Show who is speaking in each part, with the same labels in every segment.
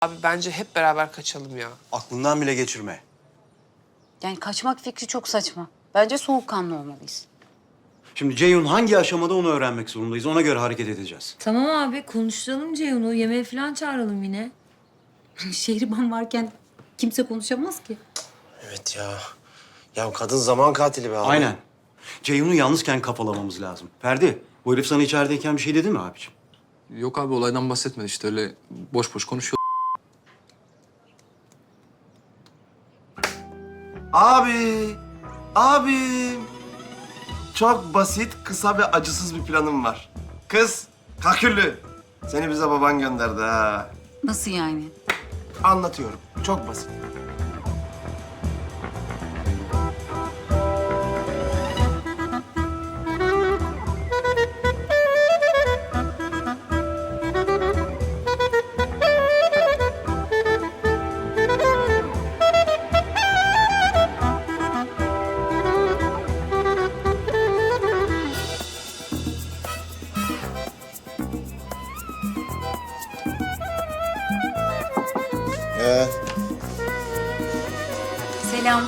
Speaker 1: Abi bence hep beraber kaçalım ya.
Speaker 2: Aklından bile geçirme.
Speaker 3: Yani kaçmak fikri çok saçma. Bence soğukkanlı olmalıyız.
Speaker 2: Şimdi Ceyhun hangi aşamada onu öğrenmek zorundayız. Ona göre hareket edeceğiz.
Speaker 4: Tamam abi konuşturalım Ceyhun'u. Yemeğe falan çağıralım yine.
Speaker 3: Şehriban varken kimse konuşamaz ki.
Speaker 5: Evet ya. Ya kadın zaman katili be abi.
Speaker 2: Aynen. Ceyhun'u yalnızken kafalamamız lazım. Ferdi, bu herif sana içerideyken bir şey dedi mi abiciğim?
Speaker 6: Yok abi olaydan bahsetmedi işte öyle boş boş konuşuyor.
Speaker 5: Abim. Çok basit, kısa ve acısız bir planım var. Kız, kaküllü. Seni bize baban gönderdi ha.
Speaker 3: Nasıl yani?
Speaker 5: Anlatıyorum. Çok basit.
Speaker 3: Selam.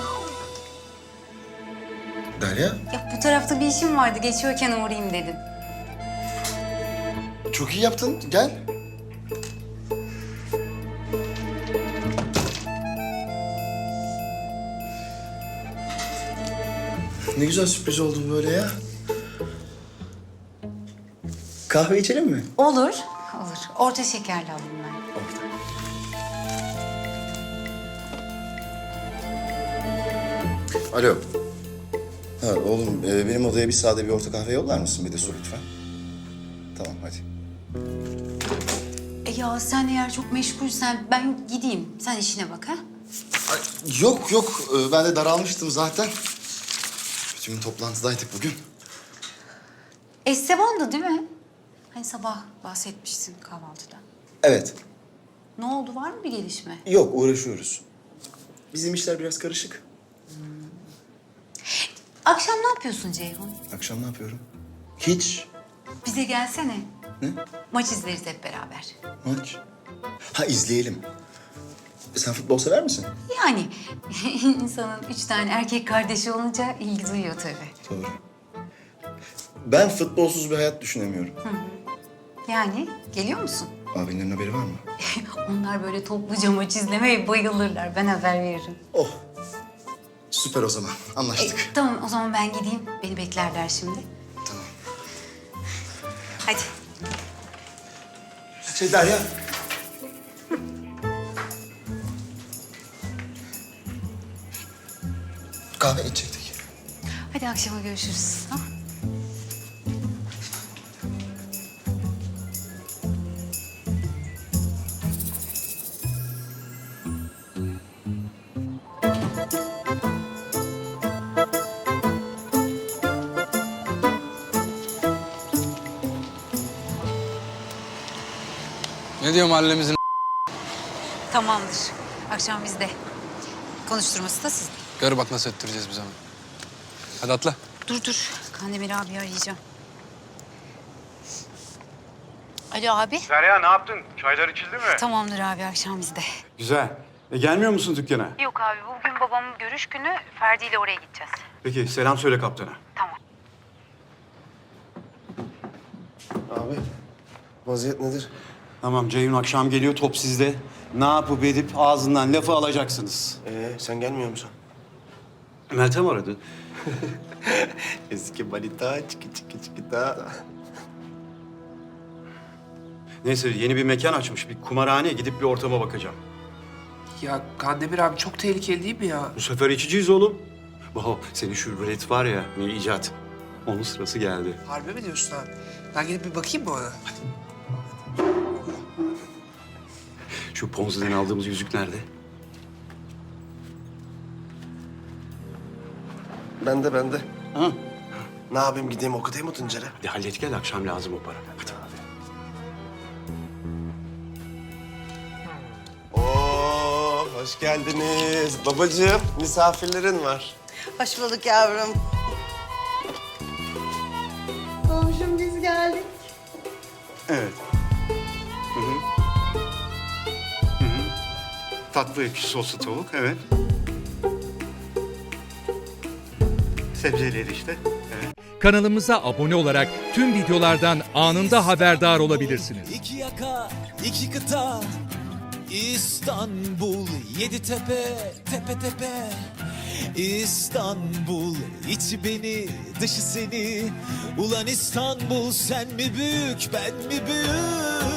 Speaker 7: Derya,
Speaker 3: Ya bu tarafta bir işim vardı. Geçiyorken uğrayayım dedim.
Speaker 7: çok iyi yaptın. Gel. Ne güzel sürpriz oldu böyle ya. Kahve içelim mi?
Speaker 3: Olur. Olur. Orta şekerli alayım ben.
Speaker 7: Orada. Alo. Ha oğlum, benim odaya bir sade bir orta kahve yollar mısın? Bir de su lütfen. Tamam, hadi.
Speaker 3: Ya sen eğer çok meşgulsen ben gideyim. Sen işine bak ha.
Speaker 7: Ay, yok yok, ben de daralmıştım zaten. Bütün toplantıdaydık bugün.
Speaker 3: Esteban'dı değil mi? Hani sabah bahsetmiştin kahvaltıda.
Speaker 7: Evet.
Speaker 3: Ne oldu? Var mı bir gelişme?
Speaker 7: Yok, uğraşıyoruz. Bizim işler biraz karışık.
Speaker 3: Akşam ne yapıyorsun Ceyhun?
Speaker 7: Akşam ne yapıyorum? Hiç.
Speaker 3: Bize gelsene.
Speaker 7: Ne?
Speaker 3: Maç izleriz hep beraber.
Speaker 7: Maç. Ha, izleyelim. Sen futbol sever misin?
Speaker 3: Yani insanın 3 tane erkek kardeşi olunca ilgi duyuyor tabii.
Speaker 7: Doğru. Ben futbolsuz bir hayat düşünemiyorum.
Speaker 3: Yani geliyor musun?
Speaker 7: Abinin haberi var mı?
Speaker 3: Onlar böyle topluca maç izlemeye bayılırlar. Ben haber veririm.
Speaker 7: Oh. Süper o zaman. Anlaştık.
Speaker 3: Tamam o zaman ben gideyim. Beni beklerler şimdi.
Speaker 7: Tamam.
Speaker 3: Hadi.
Speaker 7: Derya. Kahve içecektik.
Speaker 3: Hadi akşama görüşürüz. Tamam.
Speaker 6: Ne diyor mahallemizin?
Speaker 3: Tamamdır. Akşam bizde. Konuşturması da sizde.
Speaker 6: Gör bak nasıl öttüreceğiz biz onu. Hadi atla.
Speaker 3: Dur. Kandemir abi arayacağım. Alo abi.
Speaker 2: Derya ne yaptın? Çaylar içildi mi?
Speaker 3: Tamamdır abi akşam bizde.
Speaker 2: Güzel. Gelmiyor musun dükkana?
Speaker 3: Yok abi bugün babamın görüş günü. Ferdi ile oraya gideceğiz.
Speaker 2: Peki selam söyle kaptana.
Speaker 3: Tamam.
Speaker 5: Abi, vaziyet nedir?
Speaker 2: Tamam Ceyhun akşam geliyor top sizde. Ne yapıp edip ağzından lafı alacaksınız.
Speaker 5: Sen gelmiyor musun?
Speaker 2: Meltem aradı.
Speaker 5: Eski balita, çiki da.
Speaker 2: Neyse yeni bir mekan açmış. Bir kumarhane gidip bir ortama bakacağım.
Speaker 1: Ya Kandemir abi çok tehlikeli değil mi ya?
Speaker 2: Bu sefer içeceğiz oğlum. Senin şu rulet var ya, ne icat. Onun sırası geldi.
Speaker 1: Harbi mi diyorsun abi? Ben gidip bir bakayım mı ona?
Speaker 2: Şu Ponzi'den aldığımız yüzük nerede?
Speaker 5: Bende.
Speaker 2: Ha?
Speaker 5: Ne yapayım, gideyim okutayım mı Tuncer'e?
Speaker 2: Hadi hallet gel, akşam lazım o para. Hadi.
Speaker 5: Oo, hoş geldiniz. Babacığım, misafirlerin var.
Speaker 8: Hoş bulduk yavrum. Komşum biz geldik.
Speaker 2: Evet. Hı hı. Tatlı ekşi soslu tavuk, evet. Sebzeleri işte, evet.
Speaker 9: Kanalımıza abone olarak tüm videolardan anında haberdar olabilirsiniz.
Speaker 10: İki yaka, iki kıta, İstanbul, yedi tepe, tepe tepe. İstanbul, içi beni, dışı seni. Ulan İstanbul, sen mi büyük, ben mi büyük?